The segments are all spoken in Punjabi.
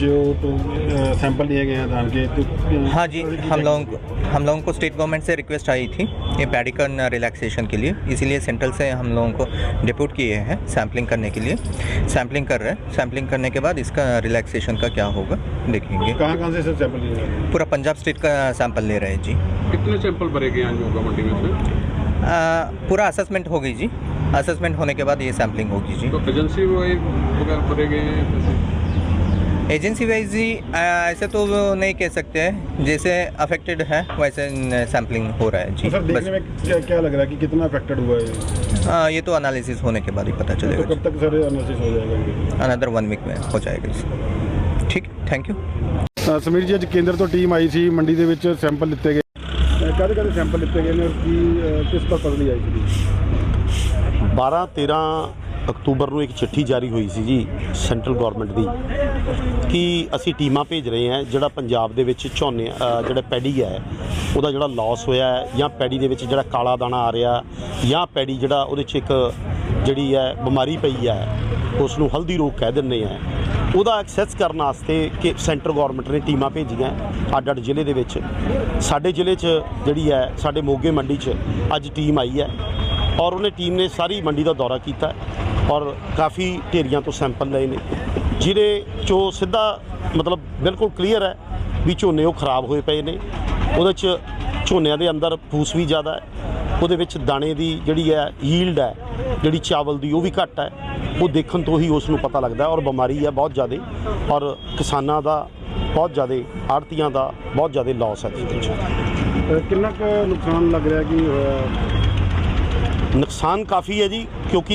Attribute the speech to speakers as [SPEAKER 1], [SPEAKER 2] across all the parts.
[SPEAKER 1] जो तो सैंपल लिए गए हैं धान के तो
[SPEAKER 2] हाँ जी, हम लोगों को स्टेट गवर्नमेंट से रिक्वेस्ट आई थी ये पैडिकन रिलैक्सेशन के लिए, इसीलिए सेंट्रल से हम लोगों को डिप्यूट किए हैं सैम्पलिंग करने के लिए। सैम्पलिंग कर रहे हैं, सैम्पलिंग करने के बाद इसका रिलैक्सेशन का क्या होगा देखेंगे।
[SPEAKER 1] कहाँ से सर सैंपल लिए गए?
[SPEAKER 2] पूरा पंजाब स्टेट का सैंपल ले रहे हैं जी।
[SPEAKER 3] कितने सैंपल भरे गए हैं होगा मंडी में से?
[SPEAKER 2] पूरा असेसमेंट हो गई जी, असेसमेंट होने के बाद ये सैम्पलिंग होगी जी।
[SPEAKER 3] तो एजेंसी वगैरह भरे गए हैं?
[SPEAKER 2] एजेंसी वाइज जी ऐसे तो नहीं कह सकते हैं, जैसे अफेक्टेड है वैसे सैम्पलिंग हो रहा है जी।
[SPEAKER 1] तो सर देखने में क्या लग रहा है कि कितना अफेक्टेड हुआ है?
[SPEAKER 2] ये तो एनालिसिस होने के बाद ही पता चलेगा।
[SPEAKER 1] तो कब तक सर एनालिसिस हो जाएगा?
[SPEAKER 2] अनदर 1 वीक में हो जाएगा। ठीक, थैंक यू।
[SPEAKER 1] ਸਮੀਰ ਜੀ, ਅੱਜ ਕੇਂਦਰ ਤੋਂ ਟੀਮ ਆਈ ਸੀ, ਮੰਡੀ ਦੇ ਵਿੱਚ ਸੈਂਪਲ ਲਿੱਤੇ ਗਏ। ਕਾਹਦੇ ਸੈਂਪਲ ਲਿੱਤੇ ਗਏ ਨੇ ਔਰ ਕਿਸ ਪਰਪਸ ਲਈ ਆਈ ਸੀ?
[SPEAKER 4] 12-13 ਅਕਤੂਬਰ ਨੂੰ ਇੱਕ ਚਿੱਠੀ ਜਾਰੀ ਹੋਈ ਸੀ ਜੀ ਸੈਂਟਰਲ ਗਵਰਨਮੈਂਟ ਦੀ ਕਿ ਅਸੀਂ ਟੀਮਾਂ ਭੇਜ ਰਹੇ ਹਾਂ ਜਿਹੜਾ ਪੰਜਾਬ ਦੇ ਵਿੱਚ ਝੋਨੇ ਜਿਹੜਾ ਪੈਡੀ ਹੈ ਉਹਦਾ ਜਿਹੜਾ ਲਾਸ ਹੋਇਆ ਹੈ ਜਾਂ ਪੈਡੀ ਦੇ ਵਿੱਚ ਜਿਹੜਾ ਕਾਲਾ ਦਾਣਾ ਆ ਰਿਹਾ ਜਾਂ ਪੈਡੀ ਜਿਹੜਾ ਉਹਦੇ 'ਚ ਇੱਕ ਜਿਹੜੀ ਹੈ ਬਿਮਾਰੀ ਪਈ ਹੈ ਉਸ ਨੂੰ ਹਲਦੀ ਰੋਗ ਕਹਿ ਦਿੰਦੇ ਆ, ਉਹਦਾ ਐਕਸੈਸ ਕਰਨ ਵਾਸਤੇ ਕਿ ਸੈਂਟਰ ਗਵਰਨਮੈਂਟ ਨੇ ਟੀਮਾਂ ਭੇਜੀਆਂ ਅੱਡ-ਅੱਡ ਜ਼ਿਲ੍ਹੇ ਦੇ ਵਿੱਚ। ਸਾਡੇ ਜ਼ਿਲ੍ਹੇ 'ਚ ਜਿਹੜੀ ਹੈ ਸਾਡੇ ਮੋਗੇ ਮੰਡੀ 'ਚ ਅੱਜ ਟੀਮ ਆਈ ਹੈ ਔਰ ਉਹਨੇ ਟੀਮ ਨੇ ਸਾਰੀ ਮੰਡੀ ਦਾ ਦੌਰਾ ਕੀਤਾ ਔਰ ਕਾਫੀ ਢੇਰੀਆਂ ਤੋਂ ਸੈਂਪਲ ਲਏ ਨੇ ਜਿਹਦੇ 'ਚੋਂ ਸਿੱਧਾ ਮਤਲਬ ਬਿਲਕੁਲ ਕਲੀਅਰ ਹੈ ਵੀ ਝੋਨੇ ਉਹ ਖਰਾਬ ਹੋਏ ਪਏ ਨੇ। ਉਹਦੇ 'ਚ ਝੋਨਿਆਂ ਦੇ ਅੰਦਰ ਫੂਸ ਵੀ ਜ਼ਿਆਦਾ ਹੈ, ਉਹਦੇ ਵਿੱਚ ਦਾਣੇ ਦੀ ਜਿਹੜੀ ਹੈ ਯੀਲਡ ਹੈ ਜਿਹੜੀ ਚਾਵਲ ਦੀ ਉਹ ਵੀ ਘੱਟ ਹੈ। ਉਹ ਦੇਖਣ ਤੋਂ ਹੀ ਉਸ ਨੂੰ ਪਤਾ ਲੱਗਦਾ ਔਰ ਬਿਮਾਰੀ ਹੈ ਬਹੁਤ ਜ਼ਿਆਦਾ ਔਰ ਕਿਸਾਨਾਂ ਦਾ ਬਹੁਤ ਜ਼ਿਆਦਾ, ਆੜ੍ਹਤੀਆਂ ਦਾ ਬਹੁਤ ਜ਼ਿਆਦਾ ਲਾਸ ਹੈ ਇਹਦੇ ਵਿੱਚ।
[SPEAKER 1] ਕਿੰਨਾ ਕੁ ਨੁਕਸਾਨ ਲੱਗ ਰਿਹਾ ਕਿ ਹੋਇਆ?
[SPEAKER 4] ਨੁਕਸਾਨ ਕਾਫੀ ਹੈ ਜੀ, ਕਿਉਂਕਿ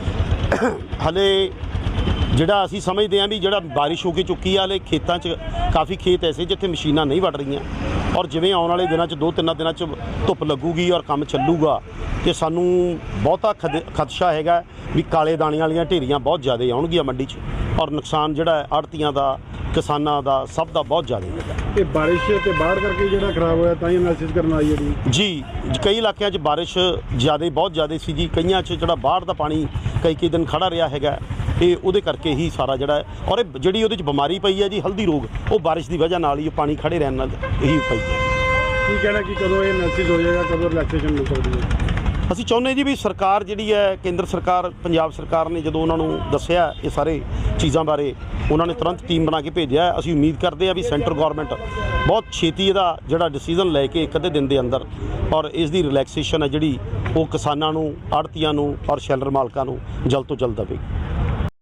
[SPEAKER 4] ਹਲੇ ਜਿਹੜਾ ਅਸੀਂ ਸਮਝਦੇ ਹਾਂ ਵੀ ਜਿਹੜਾ ਬਾਰਿਸ਼ ਹੋ ਕੇ ਚੁੱਕੀ ਆ, ਹਲੇ ਖੇਤਾਂ 'ਚ ਕਾਫੀ ਖੇਤ ਐਸੇ ਜਿੱਥੇ ਮਸ਼ੀਨਾਂ ਨਹੀਂ ਵੱਢ ਰਹੀਆਂ ਔਰ ਜਿਵੇਂ ਆਉਣ ਵਾਲੇ ਦਿਨਾਂ 'ਚ 2-3 ਦਿਨਾਂ 'ਚ ਧੁੱਪ ਲੱਗੂਗੀ ਔਰ ਕੰਮ ਚੱਲੂਗਾ ਅਤੇ ਸਾਨੂੰ ਬਹੁਤਾ ਖਦਸ਼ਾ ਹੈਗਾ ਵੀ ਕਾਲੇ ਦਾਣੇ ਵਾਲੀਆਂ ਢੇਰੀਆਂ ਬਹੁਤ ਜ਼ਿਆਦਾ ਆਉਣਗੀਆਂ ਮੰਡੀ 'ਚ ਔਰ ਨੁਕਸਾਨ ਜਿਹੜਾ ਆੜ੍ਹਤੀਆਂ ਦਾ, ਕਿਸਾਨਾਂ ਦਾ, ਸਭ ਦਾ ਬਹੁਤ ਜ਼ਿਆਦਾ ਹੈਗਾ।
[SPEAKER 1] ਇਹ ਬਾਰਿਸ਼ ਤੇ ਬਾੜ ਕਰਕੇ ਜਿਹੜਾ ਖਰਾਬ ਹੋਇਆ ਤਾਂ ਹੀ ਐਨਾਲਿਸਿਸ ਕਰਨ ਆਈ ਹੈ
[SPEAKER 4] ਜੀ। ਕਈ ਇਲਾਕਿਆਂ 'ਚ ਬਾਰਿਸ਼ ਜ਼ਿਆਦਾ, ਬਹੁਤ ਜ਼ਿਆਦਾ ਸੀ ਜੀ। ਕਈਆਂ 'ਚ ਜਿਹੜਾ ਬਾਹਰ ਦਾ ਪਾਣੀ ਕਈ ਦਿਨ ਖੜਾ ਰਿਹਾ ਹੈਗਾ, ਇਹ ਉਹਦੇ ਕਰਕੇ ਹੀ ਸਾਰਾ ਜਿਹੜਾ ਔਰ ਇਹ ਜਿਹੜੀ ਉਹਦੇ 'ਚ ਬਿਮਾਰੀ ਪਈ ਹੈ ਜੀ ਹਲਦੀ ਰੋਗ, ਉਹ ਬਾਰਿਸ਼ ਦੀ ਵਜ੍ਹਾ ਨਾਲ ਹੀ ਪਾਣੀ ਖੜੇ ਰਹਿਣ ਨਾਲ ਇਹੀ ਪਈ ਹੈ।
[SPEAKER 1] ਕੀ ਕਹਿਣਾ ਕਿ ਕਦੋਂ ਇਹ ਐਨਾਲਿਸਿਸ ਹੋ ਜਾਏਗਾ, ਕਦੋਂ ਰਿਲੈਕਸੇਸ਼ਨ ਮਿਲ ਸਕਦੀ ਹੈ?
[SPEAKER 4] ਅਸੀਂ ਚਾਹੁੰਦੇ ਜੀ ਵੀ ਸਰਕਾਰ ਜਿਹੜੀ ਹੈ, ਕੇਂਦਰ ਸਰਕਾਰ, ਪੰਜਾਬ ਸਰਕਾਰ ਨੇ ਜਦੋਂ ਉਹਨਾਂ ਨੂੰ ਦੱਸਿਆ ਇਹ ਸਾਰੇ ਚੀਜ਼ਾਂ ਬਾਰੇ, ਉਹਨਾਂ ਨੇ ਤੁਰੰਤ ਟੀਮ ਬਣਾ ਕੇ ਭੇਜਿਆ। ਅਸੀਂ ਉਮੀਦ ਕਰਦੇ ਹਾਂ ਵੀ ਸੈਂਟਰ ਗੌਰਮੈਂਟ ਬਹੁਤ ਛੇਤੀ ਇਹਦਾ ਜਿਹੜਾ ਡਿਸੀਜ਼ਨ ਲੈ ਕੇ ਇੱਕ ਅੱਧੇ ਦਿਨ ਦੇ ਅੰਦਰ ਔਰ ਇਸ ਦੀ ਰਿਲੈਕਸੇਸ਼ਨ ਹੈ ਜਿਹੜੀ ਉਹ ਕਿਸਾਨਾਂ ਨੂੰ, ਆੜ੍ਹਤੀਆਂ ਨੂੰ ਔਰ ਸ਼ੈਲਰ ਮਾਲਕਾਂ ਨੂੰ ਜਲਦ ਤੋਂ ਜਲਦ ਦੇਵੇਗੀ।